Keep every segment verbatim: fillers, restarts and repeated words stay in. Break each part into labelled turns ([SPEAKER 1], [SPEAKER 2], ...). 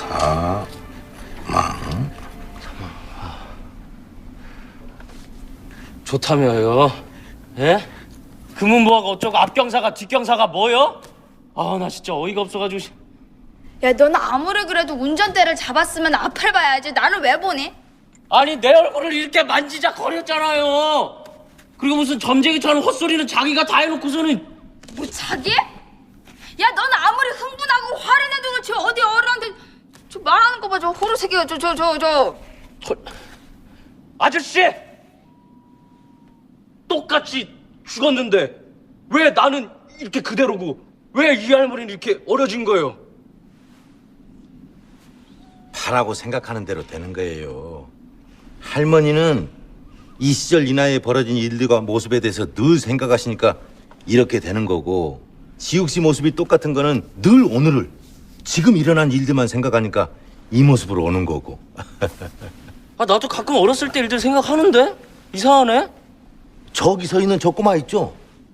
[SPEAKER 1] 사망.
[SPEAKER 2] 좋다며요. 예? 금은보화가 어쩌고 앞경사가 뒷경사가 뭐요? 아, 나 진짜 어이가 없어가지고.
[SPEAKER 3] 야, 너는 아무리 그래도 운전대를 잡았으면 앞을 봐야지. 나를 왜 보니?
[SPEAKER 2] 아니, 내 얼굴을 이렇게 만지작 거렸잖아요. 그리고 무슨 점쟁이처럼 헛소리는 자기가 다 해놓고서는.
[SPEAKER 3] 뭐 자기? 야, 너는 아무리 흥분하고 화를 내도 그렇지 어디 어른한테 저 말하는 거 봐. 저 호루 새끼가 저 저 저 저.
[SPEAKER 2] 저... 아저씨! 똑같이 죽었는데 왜 나는 이렇게 그대로고 왜 이 할머니는 이렇게 어려진 거예요?
[SPEAKER 1] 파라고 생각하는 대로 되는 거예요. 할머니는 이 시절 이 나이에 벌어진 일들과 모습에 대해서 늘 생각하시니까 이렇게 되는 거고, 지욱 씨 모습이 똑같은 거는 늘 오늘을, 지금 일어난 일들만 생각하니까 이 모습으로 오는 거고.
[SPEAKER 2] 아, 나도 가끔 어렸을 때 일들 생각하는데 이상하네.
[SPEAKER 1] 저기 서 있는 저 꼬마 있죠?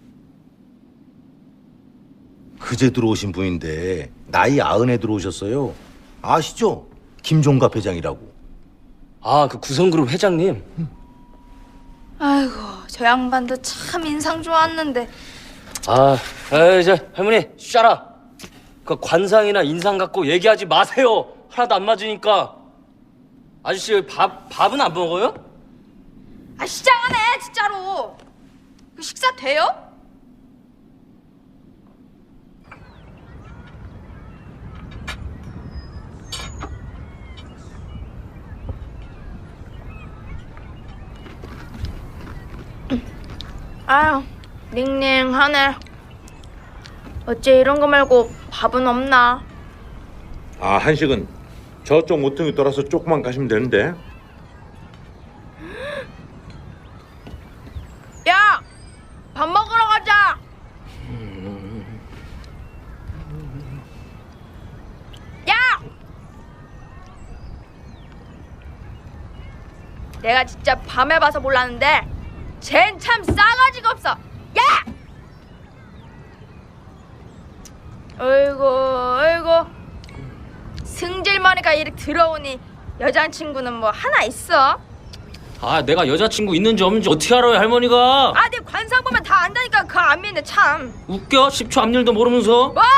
[SPEAKER 1] 그제 들어오신 분인데 나이 아흔에 들어오셨어요. 아시죠? 김종갑 회장이라고.
[SPEAKER 2] 아, 그 구성그룹 회장님.
[SPEAKER 3] 아이고, 저 양반도 참 인상 좋았는데.
[SPEAKER 2] 아, 에이, 이제 할머니 쉬라. 그 관상이나 인상 갖고 얘기하지 마세요. 하나도 안 맞으니까. 아저씨 밥 밥은 안 먹어요?
[SPEAKER 3] 아, 시장하네 진짜로. 그 식사 돼요? 아유, 닝닝하네. 어째 이런 거 말고 밥은 없나?
[SPEAKER 4] 아, 한식은 저쪽 모퉁이 돌아서 조금만 가시면 되는데.
[SPEAKER 3] 야! 밥 먹으러 가자! 야! 내가 진짜 밤에 봐서 몰랐는데 쟨 참 싸가지가 없어! 야! 어이구 어이구, 승질머리가 이렇게 들어오니 여자친구는 뭐 하나 있어?
[SPEAKER 2] 아, 내가 여자친구 있는지 없는지 어떻게 알아요, 할머니가?
[SPEAKER 3] 아, 내 관상 보면 다 안다니까. 그거 안 믿네 참.
[SPEAKER 2] 웃겨? 십 초 앞일도 모르면서.
[SPEAKER 3] 뭐?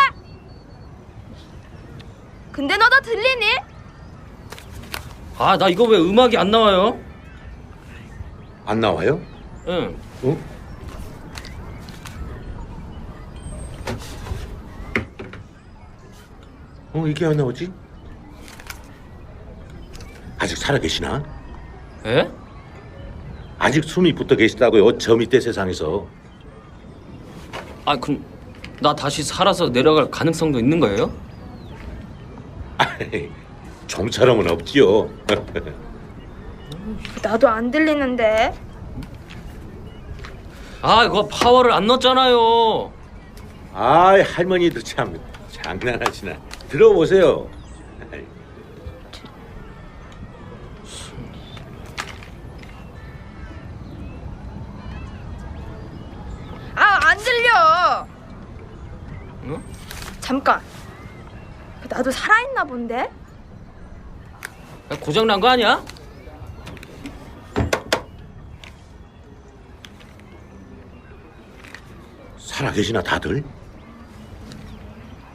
[SPEAKER 3] 근데 너도 들리니?
[SPEAKER 2] 아, 나 이거 왜 음악이 안 나와요?
[SPEAKER 4] 안 나와요?
[SPEAKER 2] 응.
[SPEAKER 4] 어? 어, 이게 안 나오지? 아직 살아 계시나?
[SPEAKER 2] 에?
[SPEAKER 4] 아직 숨이 붙어 계시다고요, 저 밑에 세상에서.
[SPEAKER 2] 아, 그럼 나 다시 살아서 내려갈 가능성도 있는 거예요?
[SPEAKER 4] 아이, 좀처럼은 없지요.
[SPEAKER 3] 나도 안 들리는데.
[SPEAKER 2] 아, 이거 파워를 안 넣었잖아요.
[SPEAKER 4] 아이, 할머니들 참 장난하시나. 들어보세요.
[SPEAKER 3] 아, 안 들려.
[SPEAKER 2] 응?
[SPEAKER 3] 잠깐. 나도 살아있나 본데?
[SPEAKER 2] 고장 난 거 아니야?
[SPEAKER 4] 살아 계시나 다들?